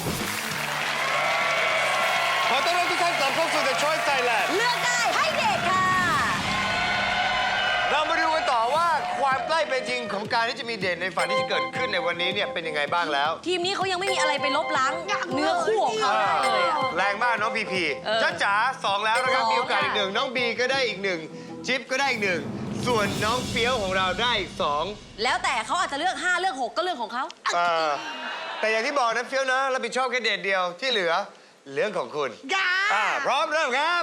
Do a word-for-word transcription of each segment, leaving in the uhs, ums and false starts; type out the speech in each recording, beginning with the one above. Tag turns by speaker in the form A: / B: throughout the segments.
A: ขอต้อนรับทุกท่านกลับเข้าสู่ The Choice Thailand
B: เลือกได้ให้เด็กค่ะ
A: เรามาดูกันต่อว่าความใกล้เป็นจริงของการที่จะมีเดทในฝันที่จะเกิดขึ้นในวันนี้เนี่ยเป็นยังไงบ้างแล้ว
B: ทีมนี้เขายังไม่มีอะไรไปลบล้างเนื้อคู่ของเขาได้เลยอะ
A: แรงมากน้องพีพี
B: เออ
A: จ้าจ๋าสองแล้วนะครับ
B: สอง
A: มีโอกาสอีก
B: ค่ะ
A: หนึ่งน้องบีก็ได้อีกหนึ่งจิ๊บก็ได้อีกหนึ่งส่วนน้องเฟี้ยวของเราได้อีกสอง
B: แล้วแต่เขาอาจจะเลือกห้าเลือกหกก็เรื่องของเขา
A: เออแต่อย่างที่บอกนะเฟี้ยวนะรับผิดชอบแค่เดทเดียวที่เหลือเรื่องของคุณ
B: ยา
A: อ่าพร้อมเริ่มครับ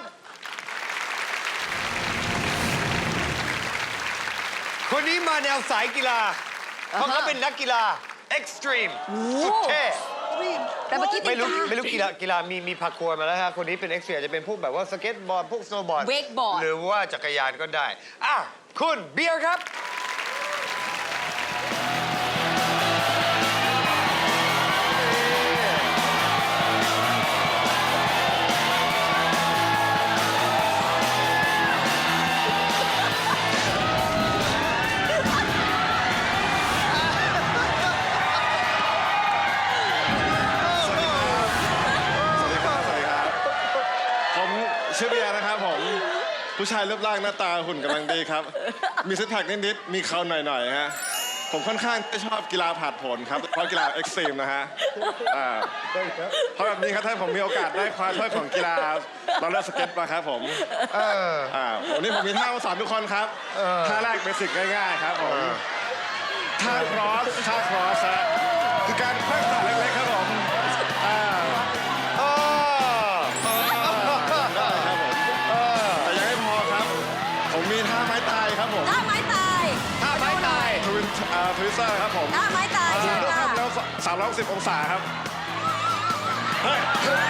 A: คนนี้มาแนวสายกีฬา เพราะเขาเป็นนักกีฬาเอ็กซ์ตรีมสุดเท่
B: แต่เมื่อกี้ติ
A: ไม่
B: ด
A: รู้
B: ตา
A: ไม่รู้กีฬากีฬามีมีพาคัวร์มาแล้วฮะคนนี้เป็นเอ็กซ์ตรีมอาจจะเป็นพวกแบบว่าสเก็ตบอร์ดพวกสโนว์บอร์ด
B: เวกบอร์ด
A: หรือว่าจักรยานก็ได้อ่ะคุณเบียร์ครับ
C: สวัสดีครับ สวัสดีครับ ผมชื่อเบียร์นะครับผม ผู้ชายรูปร่างหน้าตาหุ่นกำลังดีครับ มีซิกแพคนิดๆ มีเขาหน่อยๆ ฮะ ผมค่อนข้างจะชอบกีฬาผาดโผนครับ เพราะกีฬาเอ็กซ์ตรีมนะฮะอ่าเพราะแบบนี้ครับถ้าผมมีโอกาสได้คว้าถ้วยของกีฬาเราเล่นสเก็ตมาครับผม
A: เออ
C: อ่าวันนี้ผมมีท่ามาสอนทุกคนครับ ท่าแรกเบสิกง่ายๆ ครับผม ท่าครอส ท่าครอสฮะคือการแขว้งขาเล็กๆ ครับผม อ่า
A: เออ
C: ได้ครับผมแต่ยังไม่พอครับ ผมมีท่าไม้ตายครับผม
B: ท่าไม้ตาย
A: ท่าไม้ตาย
C: ทวินอ่าทวิสเตอร์ครับผม
B: ท่าไม้ตายเชิญ
C: ยก
B: ค่ะ
C: ข้ามแล้วสามร้อยหกสิบองศาครับเฮ้ย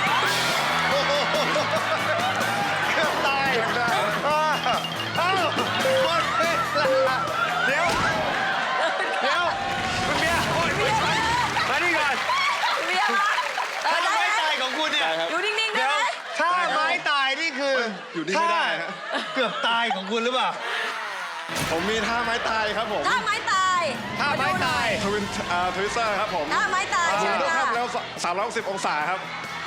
A: เกือบตาย
C: ได้
A: เอ้าเอ้าหมดเวลาเดี๋ยว เดี๋ยว คุณเบียร์โอ้ยไม่ใช่มานี่ก่อน
B: เบียร์มาเออ
A: ท่า
B: ได้
A: ไม้
B: ไหม
A: ตายของคุณเนี่ย
C: ได้ครับ
B: อยู่นิ่งๆได้
A: เดี๋ยว
B: ไหม
A: ท่าไม้ตายนี่คือ
C: อยู่นิ่งไม่ได้ฮะ
A: ท่าเกือบตายของคุณหรือเปล่า
C: ผมมีท่าไม้ตายครับผม
B: ท่าไม้ตาย
A: ท่าไม้ตาย
C: ทวินอ่าทวิสเตอร์ครับผม
B: ท่าไม้ตายเชิญ
C: ยก
B: ค่ะ
C: ข้ามแล้วสามร้อยหกสิบองศาครับ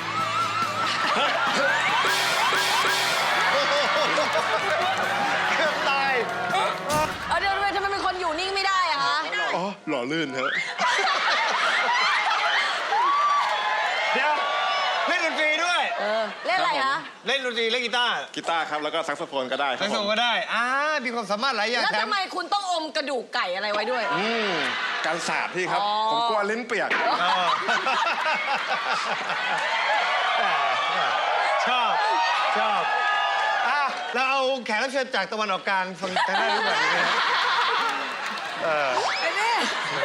A: เกือบตาย
B: เอาเดี๋ยวทำไมเป็นคนอยู่นิ่งไม่ได้อะคะ
C: อ๋อ หล่อลื่นครับ
A: เดี๋ยว เล่นดนตรีด้วย
B: เออเล่นอะไรคะ
A: เล่นดนตรีเล่นกีตาร์
C: กีตาร์ครับ แล้วก็แซกโซโฟนก็ได้ครั
A: ทั้
C: บ
A: ง
C: ผ
A: สอง
C: ม
A: ก็ได้อ่ามีความสามารถหลายอย่าง
B: แล้ว
A: แถม
B: ทำไมคุณต้องอมกระดูกไก่อะไรไว้ด้วย
C: อืมการสาดพี่ครับ
B: อ๋อ
C: ผมกลัวลิ้นเปียก
A: เออชอบ ชอบอ่ะเราเอาแขกรับเชิญจากตะวันออกกลางฟังทางด้านนี้ก่อนดีไหมฮะเออ
B: ไอ้นี่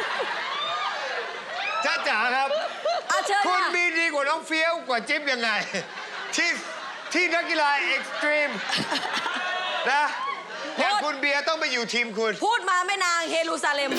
A: จ้าจ๋าครับ
B: อ่ะเชิญ
A: คุณ
B: ค่ะ
A: มีดีกว่าน้องเฟี้ยวกว่าจิ๊บยังไง ที่ที่นักกีฬาเอ็กซ์ตรีมนะอย่างคุณเบียร์ต้องไปอยู่ทีมคุณ
B: พูดมาแม่นางเฮรูซาเล็ม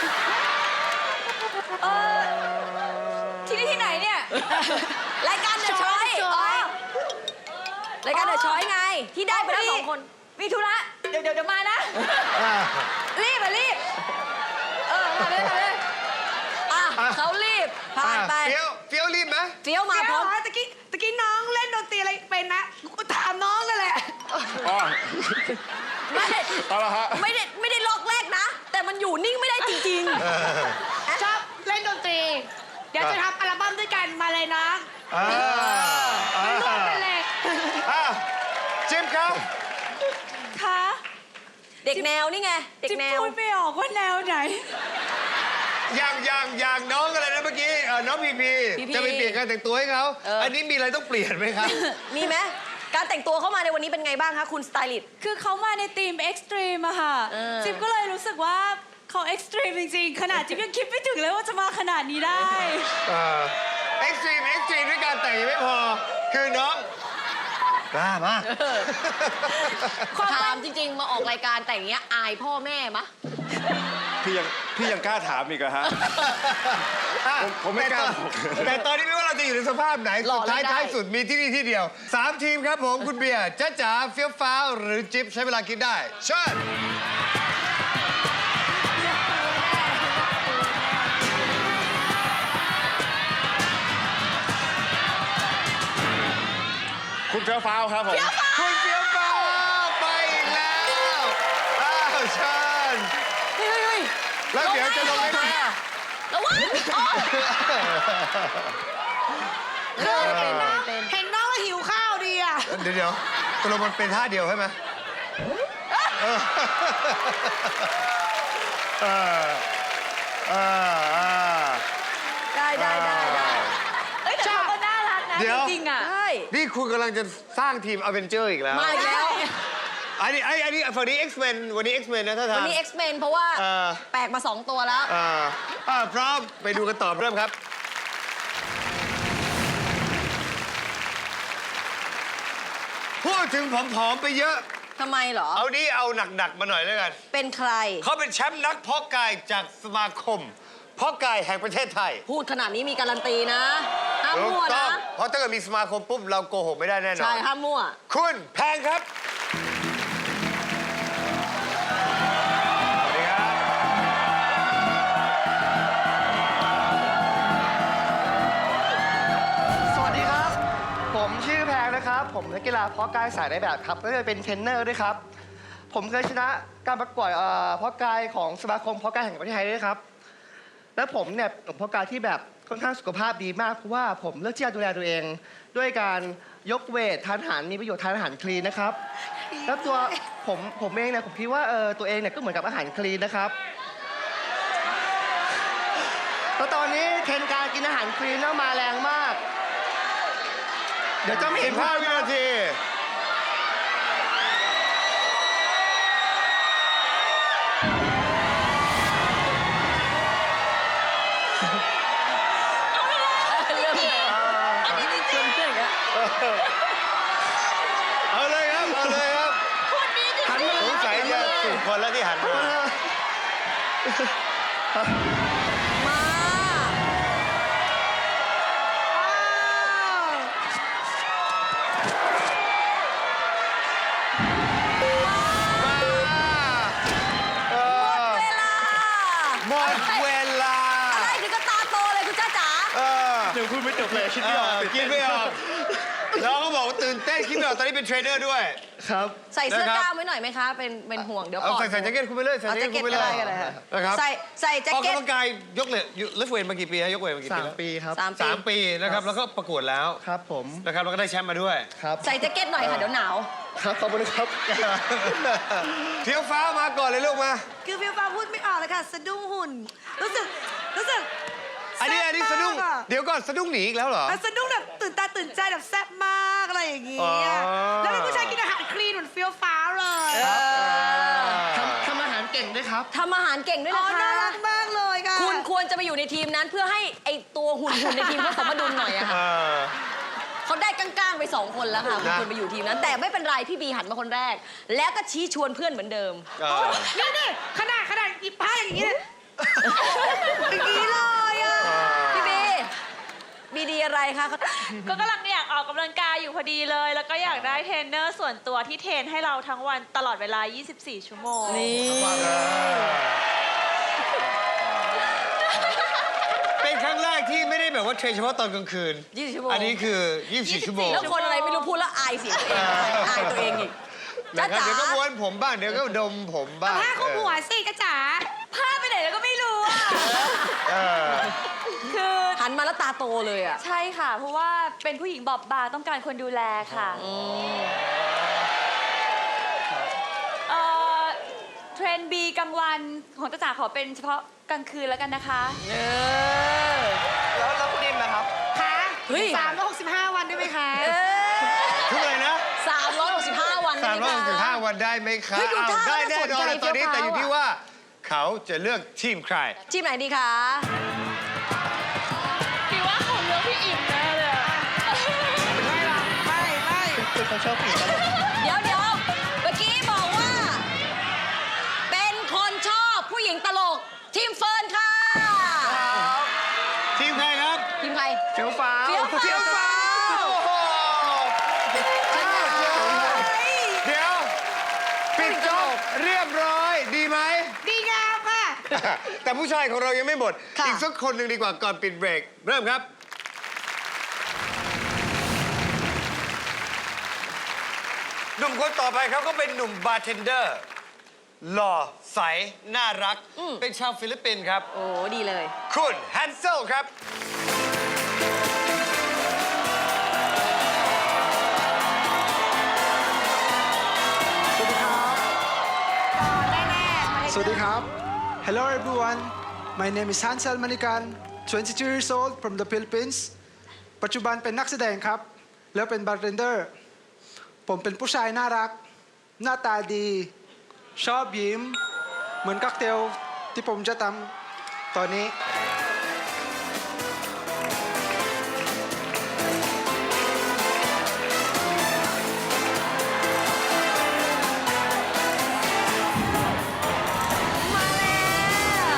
B: เออที่นี่ที่ไหนเนี่ย รายการเดอะชอยรายการเดอะชอยไง ที่ได้ไปแล้วสองคน มีธุระ เดี๋ยวเดี๋ยวเดี๋ยวมานะ รีบอะรีบ เออมาเลยมาเลยอ่ะเขารีบ ผ่านไป
A: เฟี้ยวเฟี้ยวรีบไหม
B: เฟี้ยวมาพร้อม
D: ตะกี้ตะกี้น้องเล่นดนตรีอะไรเป็นนะถามน้องกันแหละ
C: อ๋อ
B: ไม่
C: เอาละฮะ
B: ไม่ได้ไม่ได้ล็อกแรกนะ แต่มันอยู่นิ่งไม่ได้จริง
D: ชอบเล่นดนตรี เดี๋ยวจะทำอัลบั้มด้วยกันมาเลยนะ
A: อ่าอ่า
D: ร่วมกันเลย
A: อ่ะจิ๊บครับ
D: ค่ะ
B: ๆ เด็กแนวนี่ไง เด็ก
D: จิ๊บ
B: แนว
D: พูดไม่ออกว่าแนวไหน
A: อย่างอย่างอย่างน้องอะไรนะเมื่อกี้เอ่อน้องพีพี
B: พีพี
A: จะไปเปลี่ยนการแต่งตัวให้เขา
B: เอออั
A: อันนี้มีอะไรต้องเปลี่ยนไหมครับ
B: มีไหมการแต่งตัวเข้ามาในวันนี้เป็นไงบ้างคะคุณสไตลิสต์
D: คือเขามาในทีมเอ็กซ์ตรีมอะค่ะ
B: เออ
D: จิ๊บก็เลยรู้สึกว่าเขาเอ็กซ์ตรีมจริงๆ ขนาดจิ๊บยังคิดไม่ถึงเลยว่าจะมาขนาดนี้ได้
A: เอ็กซ์ตรีมเอ็กซ์ตรีมด้วยการแต่งยังไม่พอ คือน้องกล้ามาก
B: ถามจริง ๆ มาออกรายการแต่งอย่างเงี้ยอายพ่อแม่มะ
C: พี่ยังพี่ยังกล้าถามอีกเหรอฮะ ผมผมไม่กล้าบอก
A: แต่ตอนนี้ไม่ว่าเราจะอยู่ในสภาพไหน
B: หล่
A: สุ
B: อ
A: ดท้าย
B: เล่นได้
A: ท้ายสุดมีที่นี่ที่เดียวสามทีมครับผมคุณเบียร์จ้าจ๋าเฟี้ยวฟ้าวหรือจิ๊บใช้เวลาคิดได้เชิญ
C: เฟี้ยวฟ้าวครับผม
A: คุณเฟี้ยวฟ้าวไปอีกแล้วอ้าวเชิญ
B: เฮ้ยเฮ้ย
A: แล้วเดี๋ยวจะลงให้ไหมอะ
B: ระวังอ๋อ
A: เออ
B: เป็นเป็น
D: เห็นน้องแล้วหิวข้าวดีอ่ะ
A: เดี๋ยวเดี๋ยวตกลงมันเป็นท่าเดียวใช่ไหมเออเออเออเออ
B: ได้ได้ได้ได้
D: เอ้ยแต่เขาก็น่ารักนะ
A: เดี๋ยว
D: จริงๆอ่ะ
B: ใช่
A: นี่คุณกำลังจะสร้างทีมอเวนเจอร์อีกแล้ว
B: มาอีกแล้ว
A: อันนี้ไอ้อันนี้ฝั่งนี้ X-Men วันนี้ X-Men นะท่าน
B: วันนี้ X-Men เพราะว่า
A: เออ
B: แปลกมาสองตัวแล้ว
A: อ่าอ่าพร้อมไปดูกันต่อเริ่มครับ พูดถึงผอมๆไปเยอะ
B: ทำไมเหรอ
A: เอานี้เอาหนักๆมาหน่อยแล้วกัน
B: เป็นใคร
A: เขาเป็นแชมป์นักเพาะกายจากสมาคม เพาะกายแห่งประเทศไทย
B: พูดขนาดนี้มีการันตีนะ ห้าม
A: ถู
B: มั่ว
A: กต้อ
B: นะ
A: งเพราะถ้าเกิดมีสมาคมปุ๊บ เราโกหกไม่ได้แน่นอ
B: ใช่
A: น
B: ห้ามมั่ว
A: คุณแพงครับ สวัสดีครับ
E: สวัสดีครับ ผมชื่อแพงนะครับ ผมนักกีฬาเพาะกายสายในแบบครับและจะเป็นเทรนเนอร์ด้วยครับ ผมเคยชนะการประกวดเอ่อเพาะกายของสมาคมเพาะกายแห่งประเทศไทยด้วยครับ และผมเนี่ยเป็นเพาะกายที่แบบค่อนข้างสุขภาพดีมาก เพราะว่าผมเลือกที่จะดูแลตัวเอง ด้วยการยกเวททานอาหารมีประโยชน์ทานอาหารคลีนนะครับ แล้วตัวผมผมเองเนี่ยผมคิดว่าเออตัวเองเนี่ยก็เหมือนกับอาหารคลีนนะครับ แล้วตอนนี้เทรนด์การกินอาหารคลีนเนี่ยมาแรงมาก เดี๋ยวจะไม่เห็นภาพ
A: สิบห้าวินาที
B: เริ่มเลยอันนี้จริงๆอย่างเงี้ย
A: เอาเลยครับ เอาเลยครับ
E: หันมา
A: สงสัยจะถูกคนแล้วที่หันมา
B: มา
A: เออ
B: เวลา
A: หมดเวลา
B: อะไรถึงก็ตาโตเลยคุณจ้าจ๋า
A: เออ
E: เดี๋ยวพูดไม่จบเลยคิด
A: เอ
E: ไม่ออก
A: อกินไม่ออกน้องก็บอกว่าตื่นเต้นคิดไม่ออกตอนนี้เป็นเทรนเนอร์ด้วย
E: ครับ
B: ใส่เสื้อ
A: นะครับ
B: กล้ามไว้หน่อยไหมคะ เป็นเป็นห่วงเดี๋ยว
A: เอา
B: ปอด
A: ใส่ใส่แจ็คเก็ตคุณไปเลยใส่
B: เอา
A: แจ็
B: แจ็
A: ค
B: ค
A: เก็
B: เก็
A: ต
B: ต
A: คุณไป
B: อะ
A: เลย
B: ไรกันเลยค่ะ
A: นะครับ
B: ใส่ใส่แจ็ค
A: ออก
B: เก็ต
A: กำลังกายยกเลยเลฟเวทมากี่ปีฮะยกเวทมากี่ปี
E: สาม
A: แล้ว
E: ปีครับ
B: สามปี
A: สามปีนะครับแล้วก็ประกวดแล้ว
E: ครับผม
A: นะครับแล้วก็ได้แชมป์มาด้วย
E: ครับ
B: ใส่แจ็คเก็ตหน่อยค่ะ เดี๋ยวหนาว
E: ครับขอบคุณครับ
A: เที่ยวฟ้ามาก่อนเลยลูกมา
D: คือฟิวฟ้าพูดไม่ออกเลยค่ะ สะดุ้งหุ่น รู้สึก รู้สึก
A: อันนี้อันนี้สะดุ้ง
D: แซ่บมากอะ
A: เดี๋ยวก่อนสะดุ้งหนีอีกแล้วเหรอ
D: อ่ะสะดุ้งแบบตื่นตาตื่นใจแบบแซ่บมากอะไรอย่างเงี้
A: อ๋
D: ย
A: อ
D: แล้วเป็นผู้ชายกินอาหารคลีนเหมือนฟิวฟ้าเลย
E: ทำทำอาหารเก่งด้วยครับ
B: ทำอาหารเก่งด้วย
D: อ๋อ
B: นะคะ
D: น่ารักมากเลยค่ะ
B: คุณควรจะไปอยู่ในทีมนั้นเพื่อให้ไอตัวหุ่นหุ่นในทีมเขาสมดุลหน่อยอะ
A: เอ
B: ค่ะ
A: อ
B: เขาได้ก้างๆไปสองคนแล้วค่ะคุณ
A: นะ
B: ควรไปอยู่ทีมนั้น แต่ไม่เป็นไรพี่บีหันมาคนแรก แล้วก็ชี้ชวนเพื่อนเหมือนเดิม
A: เออ
D: นี่นี่ขนาดขนาดอีผ้าอย่างงี้เนี่ยอย่างงี้เลยอ่ะ
B: พี่บีบีดีอะไรคะเขา
F: ก็กำลังอยากออกกำลังกายอยู่พอดีเลย แล้วก็อยากได้เทรนเนอร์ส่วนตัวที่เทรนให้เราทั้งวันตลอดเวลา ยี่สิบสี่ ชั่วโมง
B: นี่
A: เป็นครั้งแรกที่ไม่ได้แบบว่าเทรนเฉพาะตอนกลางคืน
B: ยี่สิบชั่วโมง
A: อันนี้คือ ยี่สิบสี่ ชั่วโมง
B: แล้วคนอะไรไม่รู้พูดแล้วอายเสียงตัวเองอายตัวเองอีกจ้า
A: นะครับ
B: จ๋า
A: เดี๋ยวก็ม้วนผมบ้าง เดี๋ยวก็ดมผมบ้าง
D: ผ้าคลุมหัวสิกระจ๋า
F: ผ้าไปไหนแล้วก็ไม่รู้อ่ะ
A: เออ
F: คือ
B: หันมาแล้วตาโตเลยอ่ะ
F: ใช่ค่ะ เพราะว่าเป็นผู้หญิงบอบบางต้องการคนดูแลค่ะเอ่อเทรนบีกลางวันของจ้าจ๋าขอเป็นเฉพาะกลางคืนแล้วกันนะคะ
B: เออ
E: แล้วแล้วคุณนิ่มนะครับ
D: ค่ะ
B: เฮ้ย
D: สามร้อยหกสิบห้าวันได้ไหมคะ
B: เออ
A: ทุกอะไรนะ
B: สามร้อยหกสิบห้าวัน
A: สามร้อยหกสิบห้า
B: ได้ไหมคะ
A: วันได้ไหมครับ
B: เฮ้ยดูท่า
A: อ้าวได้แน่นอน
B: น่าสนใจ
A: เลยตอนนี้
B: เฟี้ยว
A: แต่อยู่ที่
B: ฟ้าวอะ
A: ว่า เขาจะเลือกทีมใคร
B: ทีมไหนดีคะ
F: พี่ว่าเขาเลือกพี่อิ่มแน่เลยอะ
D: ไม่หรอกไม่ไม่
E: คือเขาชอบผู้หญิงตลก
B: เดี๋ยวเดี๋ยวเมื่อกี้บอกว่า เป็นคนชอบผู้หญิงตลก ทีมเฟิร์นค่ะ
A: ทีมใครครับ
B: ทีมใคร
E: เฟี้ยวฟ้าว
B: เฟี้ยวฟ้าว
A: เที่ยวฟ้าโอ้โหอ้าวเดี๋ยว ปิดจบเรียบร้อย ดีไหม
D: ดีงามค่ะ
A: แต่ผู้ชายของเรายังไม่หมด
B: ค่ะ
A: อีกสักคนหนึ่งดีกว่าก่อนปิดเบรก เริ่มครับหนุ่มคนต่อไปเขาก็เป็นหนุ่มบาร์เทนเดอร์ หล่อใส น่ารัก
B: อืม
A: เป็นชาวฟิลิปปินส์ครับ
B: โอ้ดีเลย
A: คุณแฮนเซลครับ
G: สวัสดีครับ Hello everyone My name is Hansel Manikan twenty-two years old from the Philippines ปัจจุบันเป็นนักแสดงครับ แล้วเป็นบาร์เทนเดอร์ ผมเป็นผู้ชายน่ารัก หน้าตาดี ชอบยิ้ม เหมือนค็อกเทลที่ผมจะทำตอนนี้
B: มาแล้ว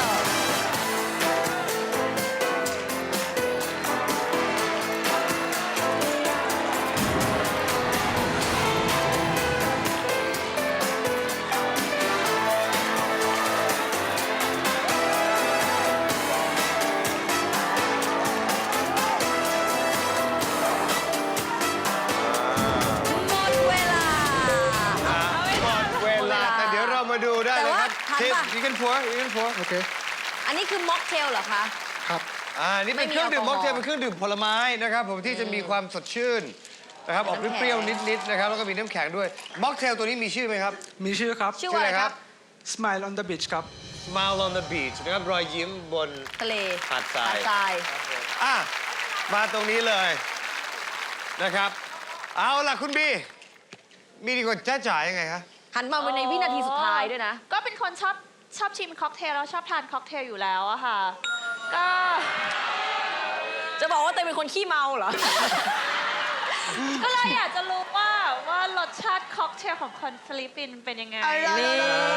B: หมดเวลา
A: หมดเวลา แต่เดี๋ยวเรามาดูได้เลยครับ
B: แต่ว่าทัน
A: ทีม
B: ปะ
A: ยิงกันผัวยิงกันผัว
G: โอเค
B: อันนี้คือม็อกเทลเหรอคะ
G: ครับ
A: อ่า นี่เป็นเครื่องดื่ม
B: ไม่
A: ม็
B: มี
A: อกเทล
B: แอลกอฮอล์
A: เป็นเครื่องดื่มผลไม้นะครับผมที่จะมีความสดชื่นนะครับ ออก
B: น้ำแข็ง
A: เปรี้ยวๆนิดๆนะครับ แล้วก็มีน้ำแข็งด้วย ม็อกเทลตัวนี้มีชื่อไหมครับ
G: มีชื่อครับ
B: ชื่อว่าอะไรครับ
G: Smile on the beach ครับ
A: Smile on the beach นะครับ รอยยิ้มบน
B: ทะเล
A: หาดทราย
B: หดทราย
A: อ่ะ มาตรงนี้เลยนะครับ เอาล่ะคุณบี มีดีกว่าจ้าจ๋ายังไงคะ
B: หันมาในวินาทีสุดท้ายด้วยนะ
F: ก็เป็นคนชอบชอบชิมค็อกเทลแล้วชอบทานค็อกเทลอยู่แล้วอะค่ะ ก็
B: จะบอกว่าเตยเป็นคนขี้เมาเหรอ
F: ก็เลยอยากจะรู้ว่าว่ารสชาติค็อกเทลของคนฟิลิปปินส์เป็นยังไง
B: นี่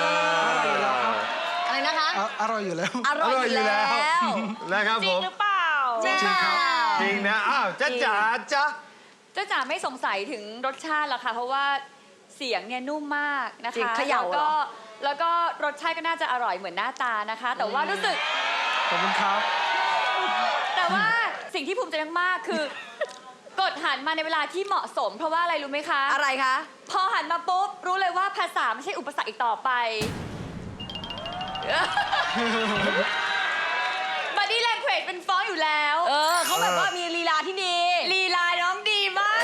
B: อะไรนะคะ
G: อ่ะอร่อยอยู่แล้ว
B: อร่อยอยู่แล้ว
A: นะครับ
F: จ
A: ผ
F: ริง
A: ม
F: หรือเปล่า
B: จริงครับ
A: จริงนะ อ้าวจ้าจ๋าจ้า
H: จ้าจ๋าไม่สงสัยถึงรสชาติหรอกค่ะ เพราะว่าเสียงเนี่ยนุ่มมากนะ
B: จริง
H: คะ
B: เขย่า
H: แล้ว
B: เหร
H: ก็
B: อ
H: แล้วก็รสชาติก็น่าจะอร่อยเหมือนหน้าตานะคะ แต่ว่ารู้สึก
G: ขอบคุณครับ
H: แต่ว่าสิ่งที่ภูมิใจมากๆคือ กดหันมาในเวลาที่เหมาะสม เพราะว่าอะไรรู้ไหมคะ
B: อะไรคะ
H: พอหันมาปุ๊บ รู้เลยว่าภาษาไม่ใช่อุปสรรคอีกต่อไป บอดี้แลงเควจเป็นฟ้องอยู่แล้ว
B: เออเขาแบบว่ามีลีลาที่ดี
H: ลีลาน้องดีมาก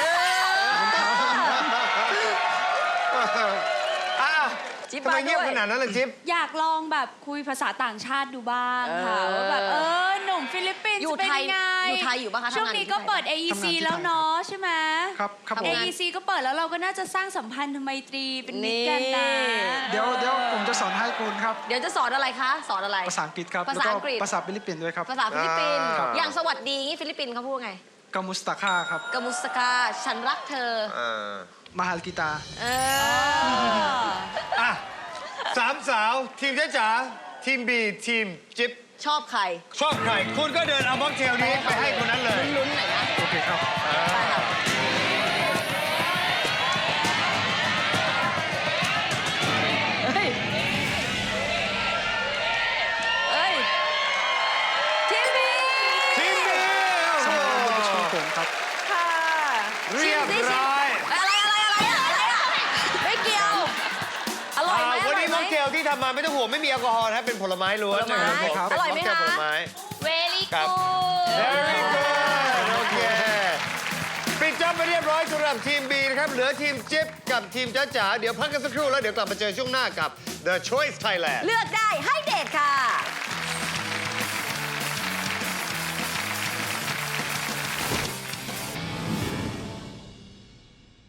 A: อ้าว
B: จิ๊บ
A: ทำไม
B: มาด้วย
A: เงียบขนาดนั้นล่ะจิ๊บ
D: อยากลองแบบคุยภาษาต่างชาติดูบ้างค่ะ
B: เออ
D: ว่าแบบเออหนุ่มฟิลิปปินส์
B: อยู่
D: เป็น
B: ไทย
D: ยังไง
B: อยู่ไทยอยู่ปะคะ
D: ช่วง
B: ทำงานอยู่
D: นี้
B: ที่
D: ก็
B: ไทย
D: เปิด เอ อี ซี
G: ทำงานที่
D: แล้ว
G: ไทย
D: เนาะใช่ไหม
G: ครับครับผม
D: เอ อี ซี ก็เปิดแล้วเราก็น่าจะสร้างสัมพันธไมตรีเป็นมิตรกันนะ
G: เดี๋ยวเดี๋ยวผมจะสอนให้คุณครับ
B: เดี๋ยวจะสอนอะไรคะ สอนอะไร
G: ภาษาอังกฤษครับ
B: ภาษาอังกฤษ
G: แล้วภาษาฟิลิปปินส์ด้วยครับ
B: ภาษาฟิลิปปินส์
A: อ่า
B: อย่างสวัสดีงี้ฟิลิปปินส์เขาพูดไง
G: กามุสตาคาครับ
B: กามุสกา ฉันรักเธอ
A: อ่า
G: มาฮัลกิตา
B: เออ
A: อ่ะสามสาว ทีมจ้าจ๋า ทีมบี ทีมจิ๊บ
B: ชอบใคร
A: ชอบใคร คุณก็เดินเอาม็อกเทลนี้ไปให้คนนั้นเลย
B: ลุ้นๆหน่อยนะ
G: โอเคครับ
B: ใช่ค่ะเฮ้ย เฮ้ย ทีมบี
A: ทีมบี
G: สมัยเรียนที่ผมครับ
B: ค่ะ
A: เรียบร้อย
B: อะไรอะไรอะไรอะไรอะไม่เกี่ยว อร่อยไหม
A: อ่า
B: อ
A: วัน
B: ร่อย
A: นี้
B: ไหม
A: ม็อกเทลที่ทำมาไม่ต้องห่วงไม่มีแอลกอฮอล์นะครับเป็นผลไม้ล้วน
B: ผลไม้
A: นะครับผม
B: อร่อยไหม
A: เป็นม็อกเทล
B: คะ
A: ผลไม้
F: เวลี่
A: ครับ
F: กู
A: Very good โอเค ปิดจ็อบไปเรียบร้อยสำหรับทีม B นะครับ เหลือทีมจิ๊บกับทีมจ้าจ๋า เดี๋ยวพักกันสักครู่แล้วเดี๋ยวกลับมาเจอช่วงหน้ากับ The Choice Thailand
B: เลือกได้ให้เด็กค่ะ